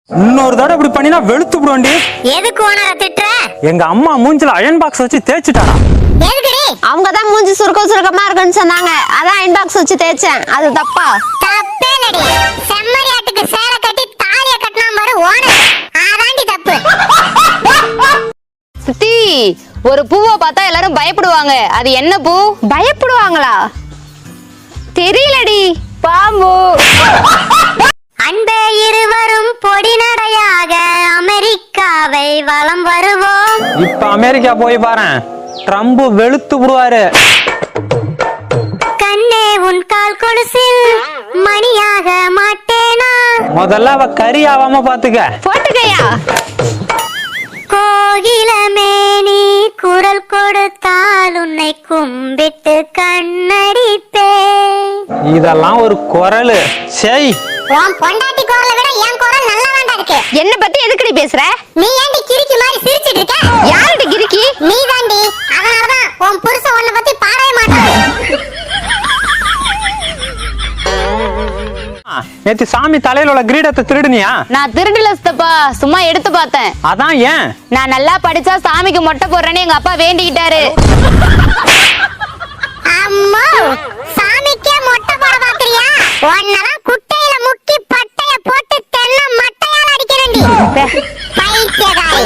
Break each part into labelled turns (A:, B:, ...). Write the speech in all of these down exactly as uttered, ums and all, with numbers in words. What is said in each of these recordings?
A: இன்னொரு தடவை இப்படி பண்ணினா வெளுத்து விடுவாண்டி.
B: எதுக்கு ஓனரை திட்டுற?
A: எங்க அம்மா மூஞ்சில அயன் பாக்ஸ் வச்சு தேய்ச்சிட்டாடா.
B: எதுக்குடி?
C: அவங்க தான் மூஞ்சி சுருக்க சுருக்கமா இருக்குன்னு சொன்னாங்க, அதான் அயன் பாக்ஸ் வச்சு தேய்ச்சேன். அது தப்பா?
B: தப்பே இல்லடி. செம்மறியாட்டுக்கு சேலை கட்டி தாலிய கட்டினா பாரு ஓனர், அதாண்டி தப்பு.
C: சித்தி, ஒரு பூவை பார்த்தா எல்லாரும் பயப்படுவாங்க, அது என்ன பூ? பயப்படுவாங்களா? தெரியலடி. பாம்பு.
B: அன்பே இருவரும் பொடி நடையாக அமெரிக்காவை வலம் வருவோம்.
A: இப்ப அமெரிக்கா போய் பாரு, ட்ரம்ப் வெளுத்து விடுவாரு.
B: கண்ணே உன் கால் கொலுசில் மணியாக மாட்டேனா?
A: முதல்ல அவ கறி ஆவாம பாத்துக்க.
C: போட்டுக்கையா?
B: கோகிலமே நீ குரல் கொடுத்தால் உன்னை கும்பிட்டு கண்ணடிப்பே.
A: இதெல்லாம் ஒரு குரல். செய்.
B: உன் பொண்டாட்டி குரலை விட என் குரல் நல்லதாண்டா இருக்கு.
C: என்ன பத்தி எதுக்குடி பேசுற?
B: நீ ஏண்டி கிறுக்கி மாதிரி சிரிச்சிட்டு இருக்க?
C: யாருடி கிறுக்கி?
B: நீ தாண்டி. அதனாலதான் உன் புருஷன் உன்னை பத்தி பாடவே மாட்டான்.
A: நேத்து சாமி தலையில உள்ள கிரீடத்தை திருடுனியா?
C: நான் திருடல சித்தப்பா, சும்மா எடுத்து பார்த்தேன்.
A: அதான் ஏன்?
C: நான் நல்லா படிச்சா சாமிக்கு மொட்டை போடுறேன்னு எங்க அப்பா வேண்டிக்கிட்டாரு.
B: அம்மா, சாமிக்கே மொட்டை போட பாக்குறியா? உன்னெல்லாம் குட்டையில முக்கி பட்டைய போட்டு தென்னை மட்டையால அடிக்கிறேன்டி. பைத்தியக்காரி.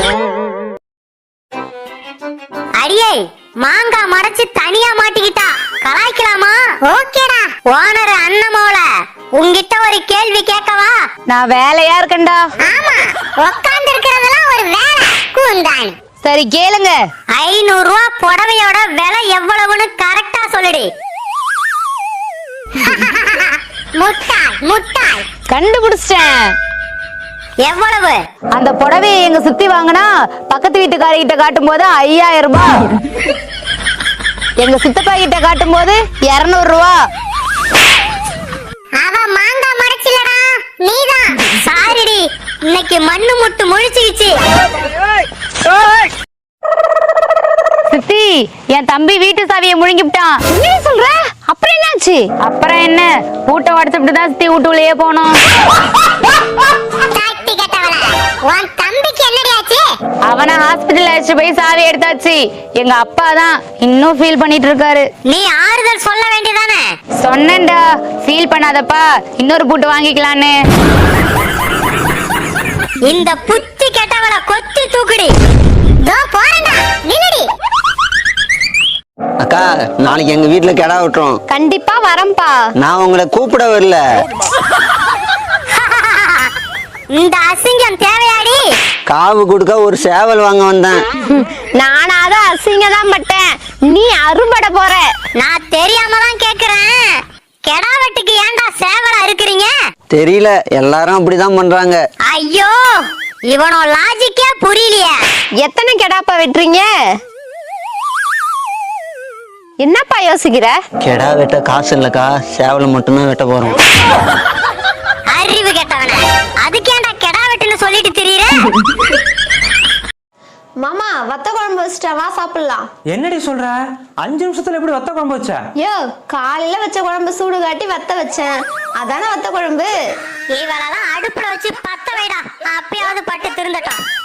B: அடியே, மாங்காய் மறைச்சு தனியா மாட்டிக்கிட்டா கலாய்க்கலாமா? ஓகேடா. ஓனர் அண்ணமோல உன்கிட்ட ஒரு கேள்வி கேட்கவா?
C: நான் வேலையா இருக்கேன்டா.
B: ஆமா, உட்கார்ந்து இருக்கிறதெல்லாம் ஒரு வேலை கூந்தான்.
C: சரி கேளுங்க.
B: ஐநூறு ரூபா புடவையோட விலை எவ்வளவுன்னு கரெக்டா சொல்லுடி. முட்டாள் முட்டாள்.
C: கண்டுபிடிச்சிட்டேன்.
B: எவ்வளவு?
C: அந்த புடவையை எங்க சுத்தி வாங்கினா பக்கத்து வீட்டுக்காரர்கிட்ட காட்டும் போது ஐயாயிரம் ரூபாய், எங்க சித்தப்பா கிட்ட காட்டும் போது இருநூறு ரூபா.
B: அவ மாங்காய் மறைச்சிலடா, நீதான். சாரிடி, இன்னைக்கு மண்ணு முட்டு முழிச்சிருச்சு.
C: சித்தி, என் தம்பி வீட்டு சாவியை முழுங்கிவிட்டான். என்ன சொல்ற? அப்புறம் என்னாச்சு? அப்புறம் என்ன, பூட்டை உடச்சுட்டு தான் சித்தி வீட்டுக்குள்ளேயே போனோம்.
B: தட்டி கட்டவள, உன் தம்பிக்கு என்னடி ஆச்சு?
C: அவனை ஹாஸ்பிட்டல் அழைச்சு போய் சாவி எடுத்தாச்சு. எங்க அப்பா தான் இன்னும் ஃபீல் பண்ணிட்டு இருக்காரு.
B: நீ ஆறுதல் சொல்ல வேண்டியதானே?
C: சொன்னேன்டா, ஃபீல் பண்ணாதப்பா, இன்னொரு பூட்டு வாங்கிக்கலான்னு.
B: இந்த புத்தி கெட்டவள கொத்தி தூக்குடி. தோ போறேன்டா, நில்லுடி.
D: அக்கா, நாளைக்கு எங்க வீட்டுல கிடா விட்டுறோம்.
C: கண்டிப்பா வரம்பா.
D: நான் உங்களை கூப்பிட வரல.
B: இந்த அசிங்கம் தேவையாடி?
D: காவு கொடுக்க ஒரு சேவல் வாங்க வந்தேன்.
C: நானாவது அசிங்க தான் பட்டேன், நீ அறுபட போற.
B: நான் தெரியாம தான் கேக்குறேன். கெடா வெட்டுக்கு ஏன்டா சேவலா இருக்கிறீங்க?
D: தெரியல, எல்லாரும் அப்படிதான் பண்றாங்க.
B: ஐயோ, இவனோ லாஜிக்கே புரியலையே.
C: எத்தனை கெடாப்பா வெட்டுறீங்க? என்னப்பா யோசிக்கிற?
D: கெடா வெட்ட காசு இல்லக்கா, சேவலை மட்டும்தான் வெட்ட போறோம்.
B: அறிவு கெட்டவன, அதுக்கேண்டா கெடா வெட்டுன்னு சொல்லிட்டு திரியற?
C: மாமா, வத்த குழம்பு வச்சிட்டா, வா சாப்பிடலாம்.
A: என்னடி சொல்ற? அஞ்சு நிமிஷத்துல எப்படி வத்த குழம்பு வச்ச?
C: யோ, காலையில வச்ச குழம்பு சூடு காட்டி வத்த வச்சேன், அதானே வத்த குழம்பு.
B: இவளெல்லாம் அடுப்புல வச்சு பத்த வைடா, அப்பயாவது பட்டு திருந்தட்டும்.